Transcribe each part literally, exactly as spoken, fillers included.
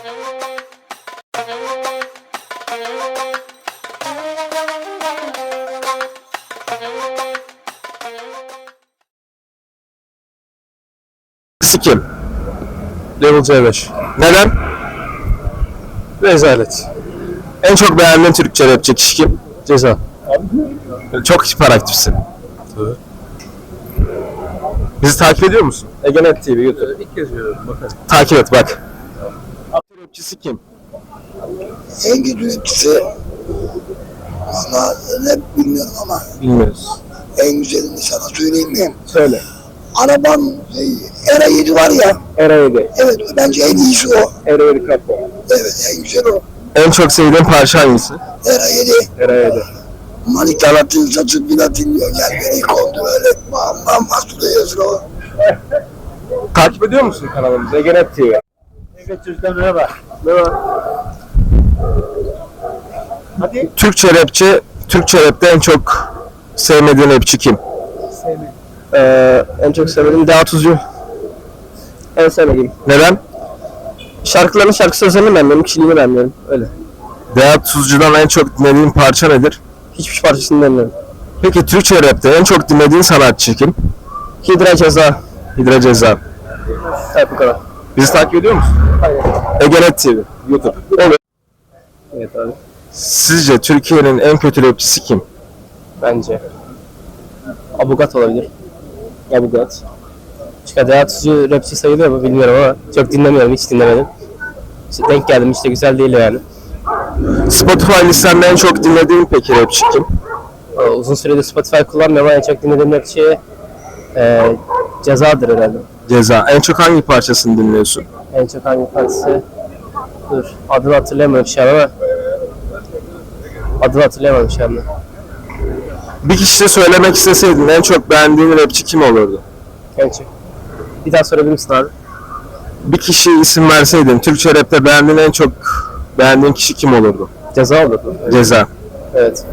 Kim? Level C beş. Neden? Rezalet. En çok beğendiğin Türkçe rapçi kişi kim? Ceza. Çok hiperaktifsin. Evet. Bizi takip ediyor musun? Egenet T V, YouTube. İlk kez görüyorum. Bakalım. Takip et bak. Türkçe rapçisi kim? En kötü rapçisi ama rap bilmiyorum ama Bilmiyoruz. en güzelini sana söyleyeyim mi? Söyle. Araban şey, Era yedi var ya. Era yedi. Evet bence en iyisi o. Era yedi kapı. Evet en güzel o. En çok sevdiğin parça hangisi? Era yedi. Era yedi. Manitalatın saçı bina dinliyor. Gel beni kondu öyle. Bam bam bastı yazır o. Takip ediyor musun kanalımızı? Egenet T V. Evet çocuklar merhaba. Merhaba. Hadi. Türkçe rapçi, Türkçe rapte en çok sevmediğin rapçi kim? Sevmedim. Ee, en çok sevmediğim Deha Tuzcu. En sevmediğim. Neden? Şarkıların şarkı sözlerini beğenmiyorum, kişiliğini beğenmiyorum. Öyle. Deha Tuzcu'dan en çok dinlediğin parça nedir? Hiçbir parçasını dinlemiyorum. Peki Türkçe rapte en çok dinlediğin sanatçı kim? Hidra Ceza. Hidra Ceza. Evet bu kadar. Bizi takip ediyor musun? Hayır. Egenet T V, YouTube. Olur. Evet abi. Sizce Türkiye'nin en kötü rapçisi kim? Bence Abugat olabilir. Abugat. Çünkü Deha Tuzcu rapçi sayılıyor mu bilmiyorum ama çok dinlemiyorum, hiç dinlemedim. İşte denk geldim, işte güzel değil yani. Spotify listende en çok dinlediğin peki rapçi kim? Aa, uzun süredir Spotify kullanmıyorum ama en çok dinlediğim rapçi e, Ceza'dır herhalde. Ceza. En çok hangi parçasını dinliyorsun? En çok hangi parçası? Dur, adını hatırlayamıyorum şu an ama adını hatırlayamıyorum şu anda. Bir kişi söylemek isteseydin en çok beğendiğin rapçi kim olurdu? En çok. Bir daha sorabilir misin abi? Bir kişi isim verseydin, Türkçe rapte beğendiğin en çok beğendiğin kişi kim olurdu? Ceza olurdu. Ceza. Evet.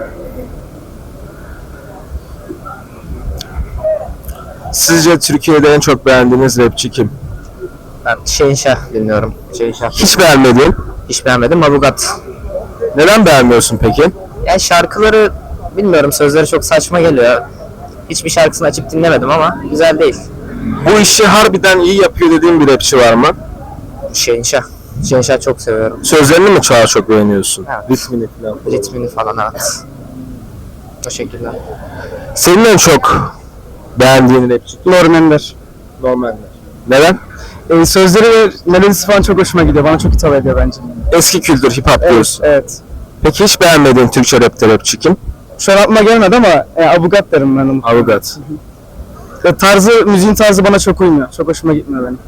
Sizce Türkiye'de en çok beğendiğiniz rapçi kim? Ben Şehinşah dinliyorum. Şehinşah. Hiç beğenmediğin? Hiç beğenmedim. Abugat. Neden beğenmiyorsun peki? Yani şarkıları bilmiyorum, sözleri çok saçma geliyor. Hiçbir şarkısını açıp dinlemedim ama güzel değil. Bu işi harbiden iyi yapıyor dediğin bir rapçi var mı? Şehinşah. Şehinşah çok seviyorum. Sözlerini mi daha çok beğeniyorsun? Evet. Ritmini falan. Ritmini falan, evet. O şekilde. Senin en çok beğendiğin rapçi kim? Norm Ender. Normal. Neden? Ee, sözleri ve melodisi falan çok hoşuma gidiyor. Bana çok hitap ediyor bence. Eski kültür, hip hop Evet, diyorsun. evet. Peki hiç beğenmediğin Türkçe rapte rapçi kim? Şu an aklıma gelmedi ama e, Abugat derim ben onu. Avukat. Ve tarzı, müziğin tarzı bana çok uymuyor. Çok hoşuma gitmiyor benim.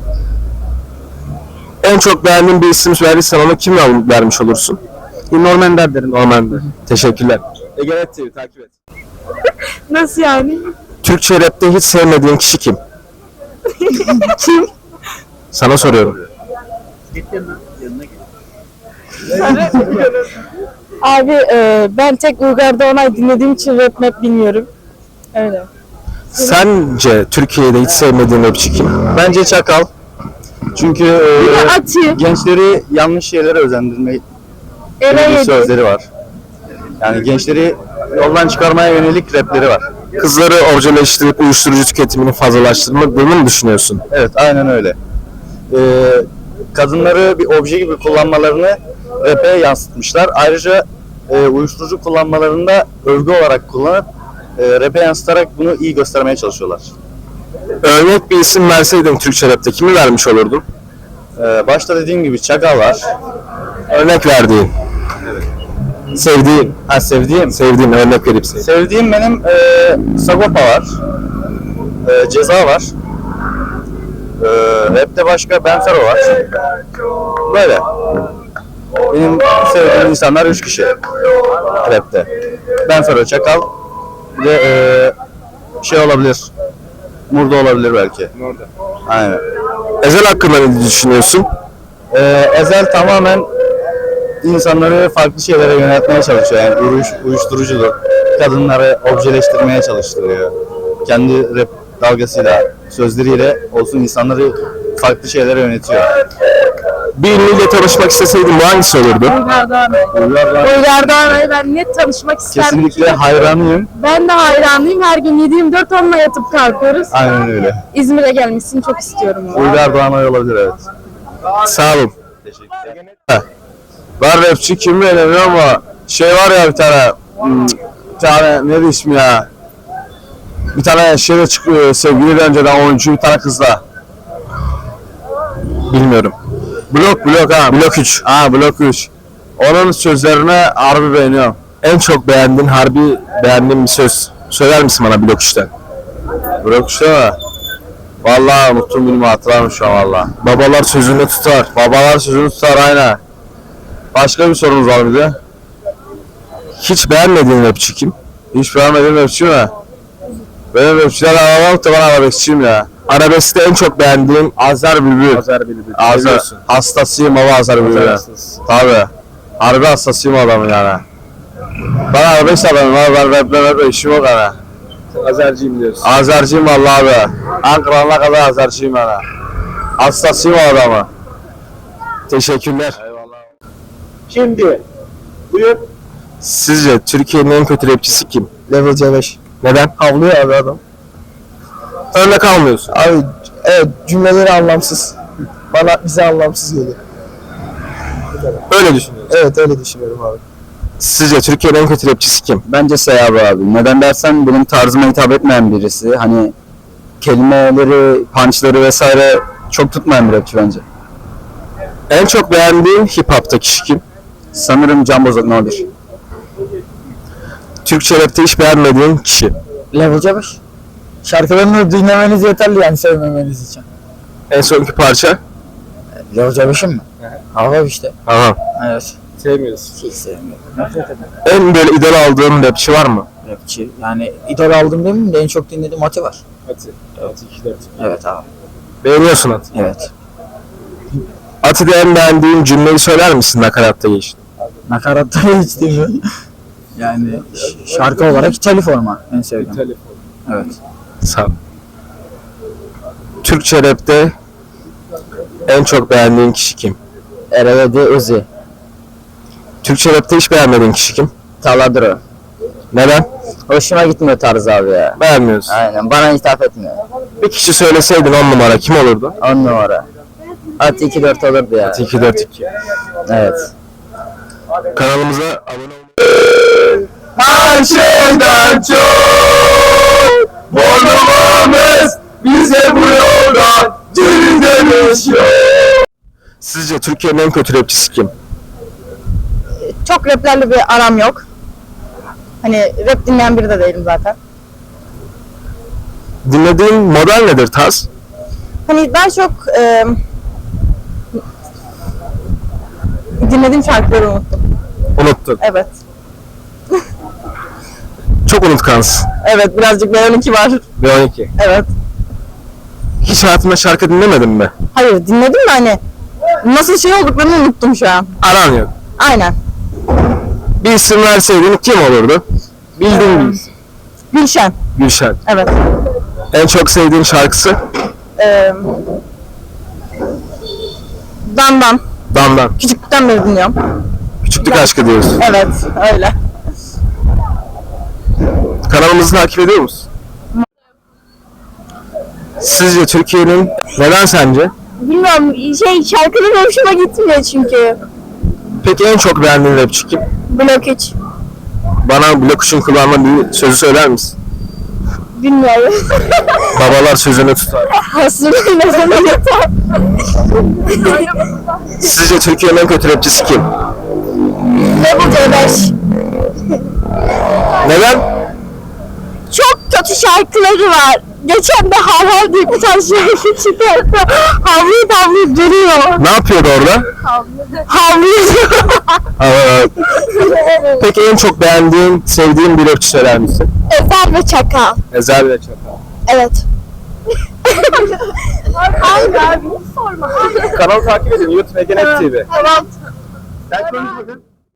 En çok beğendiğin bir isim verirsen onu kimle vermiş olursun? Norm Ender derim. Normalde. Teşekkürler. Egenet T V takip et. Nasıl yani? Türkçe rapte hiç sevmediğin kişi kim? Kim? Sana soruyorum. Abi e, ben tek Uygar'da Onay dinlediğim için rap map bilmiyorum. Öyle. Sence Türkiye'de hiç sevmediğin rapçi kim? Bence Çakal. Çünkü Bir de e, Ati, gençleri yanlış şeylere özendirme Era gibi yedi. sözleri var. Yani gençleri yoldan çıkarmaya yönelik rapleri var. Kızları orjeleştirip uyuşturucu tüketimini fazlalaştırmadığını mı düşünüyorsun? Evet, aynen öyle. Ee, kadınları bir obje gibi kullanmalarını rap'e yansıtmışlar. Ayrıca e, uyuşturucu kullanmalarını da övgü olarak kullanıp e, rap'e yansıtarak bunu iyi göstermeye çalışıyorlar. Örnek bir isim verseydin Türkçe rapte kimi vermiş olurdun? Ee, başta dediğim gibi Çakal var. Örnek verdiğin. Sevdiğin. Ha, sevdiğim. Sevdiğin örnek verip sevdiğin. Sevdiğim benim e, Sagopa var. E, Ceza var. E, rap'te başka Benfero var. Böyle. Benim sevdiğim insanlar üç kişi rap'te. Benfero, Çakal ve e, şey olabilir. Murda olabilir belki. Murda. Aynen. Ezel hakkında ne düşünüyorsun? E, Ezel tamamen insanları farklı şeylere yöneltmeye çalışıyor. Yani uyuş, uyuşturucudur. Kadınları objeleştirmeye çalıştırıyor. Kendi rap dalgasıyla, sözleriyle olsun insanları farklı şeylere yönetiyor. Bir ünlüyle tanışmak isteseydin bu hangisi olurdu? Uygar Doğanay. Uygar Doğanay'ı ben net tanışmak isterdim. Kesinlikle hayranıyım. Ben de hayranıyım. Her gün yedi yirmi dört onunla yatıp kalkıyoruz. Aynen öyle. İzmir'e gelmesini çok istiyorum. Uygar Doğanay olabilir, evet. Sağ olun. Teşekkürler. Var rapçi kim beğeniyor ama şey var ya bir tane hmm, bir tane neydi ismi ya? Bir tane şeyle çıkıyor sevgili önceden oyuncu bir tane kızla. Bilmiyorum. Blok blok ha. Blok üç. Ha blok üç. Onun sözlerini harbi beğeniyorum. En çok beğendiğin, harbi beğendiğin bir söz söyler misin bana blok üçten? Blok üçte mi? Vallahi unuttum bilmiyorum, hatırlamıyorum şu an valla. Babalar sözünü tutar. Babalar sözünü tutar aynen. Başka bir sorunuz var mıydı? Hiç beğenmediğin rapçi kim? Hiç beğenmediğin rapçi mi? Benim rapçiler aramam da ben arabeskçiyim ya. Arabeskte en çok beğendiğin Azer Bülbül. Azer Bülbül. Azer. Seviyorsun. Hastasıyım baba Azer Bülbül'e. hastası. Tabii. Harbi hastasıyım adamın yani. Ben arabesk adamım abi, ben raple raple işim yok yani. Azerciyim diyorsun. Azerciyim vallahi abi. Ankara'na kadar Azerciyim yani. Hastasıyım o adamı. Teşekkürler. Şimdi buyur. Sizce Türkiye'nin en kötü rapçisi kim? Level C beş. Neden? Havlıyor abi adam. Örnek almıyorsun. Abi evet, cümleleri anlamsız. Bana bize anlamsız geliyor. Öyle düşünüyorsun. Evet, öyle düşünüyorum abi. Sizce Türkiye'nin en kötü rapçisi kim? Bence Seyab abi. Neden dersen benim tarzıma hitap etmeyen birisi. Hani kelimeleri, punchları vesaire çok tutmayan bir rapçi bence. En çok beğendiğin hip hop'ta kişi kim? Sanırım Can Bozok ne olur. Türkçe rapte hiç beğenmediğin kişi. Level C beş. Şarkılarını dinlemeniz yeterli yani sevmemeniz için. En sonki parça? Level C beş'in mi? Hava işte. Aha. Evet. Sevmiyorsun. Hiç sevmiyorum. Nefret ederim. En böyle idol aldığın rapçi var mı? Rapçi. Yani idol aldım demeyeyim de en çok dinlediğim Ati var. Ati. Ati iki dört. Evet abi. Beğeniyorsun Ati. Evet. Ati'de en beğendiğin cümleyi söyler misin nakaratta geçti? Nakaratta hiç değil mi? Yani ş- şarkı olarak İtali forma en sevdiğim. Evet. Sağ ol. Türkçe rapte en çok beğendiğin kişi kim? Erevedi Uzi. Türkçe rapte hiç beğenmediğin kişi kim? Taladro. Neden? Hoşuma gitmiyor tarzı abi ya. Beğenmiyorsun. Aynen bana hitap etmiyor. Bir kişi söyleseydin on numara kim olurdu? On numara. At iki dört olurdu ya. Ati iki dört iki. Evet. Kanalımıza abone olmayı... Her şeyden çok Bornumuz bize bu yoldan geri dönüş yok. Sizce Türkiye'nin en kötü rapçisi kim? Çok raplerle bir aram yok. Hani rap dinleyen biri de değilim zaten. Dinlediğin model nedir tarz? Hani ben çok e, dinlediğim şarkıları unuttum. Unuttun. Evet. Çok unutkansın. Evet, birazcık B on iki var. B on iki. Evet. Hiç hayatında şarkı dinlemedin mi? Hayır, dinledim de hani nasıl şey olduklarını unuttum şu an. Aran yok. Aynen. Bir isim verseydin kim olurdu? Bildiğin bir isim. Gülşen. Gülşen. Evet. En çok sevdiğin şarkısı? Ee, Dandan. Damdan. Küçüklükten beri dinliyorum. Küçüklük aşkı diyoruz. Evet, öyle. Kanalımızı takip ediyor musun? Sizce Türkiye'nin neden sence? Bilmiyorum, şey şarkıları hoşuma gitmiyor çünkü. Peki en çok beğendiğin rapçi kim? Blok üç. Bana Blok üçün kullanma bir sözü söyler misin? Bilmiyorum. Babalar sözünü tutar. Hasırın ne zaman yeter? Sizce Türkiye'nin en kötü rapçisi kim? Ne bu C beş? Neden? Çok kötü şarkıları var. Geçen de Hav Hav diye bir tane şarkı çıkarttı. Havlayıp havlayıp duruyor. Ne yapıyordu orada? Havlıyor. Evet. Peki en çok beğendiğin, sevdiğin bir rapçi söyler misin? Ezel ve Çakal. Ezel ve Çakal. Evet. Abi abi sorma. Kanalı takip edin. YouTube Egenet T V. Tamam. Sen konuş bakın.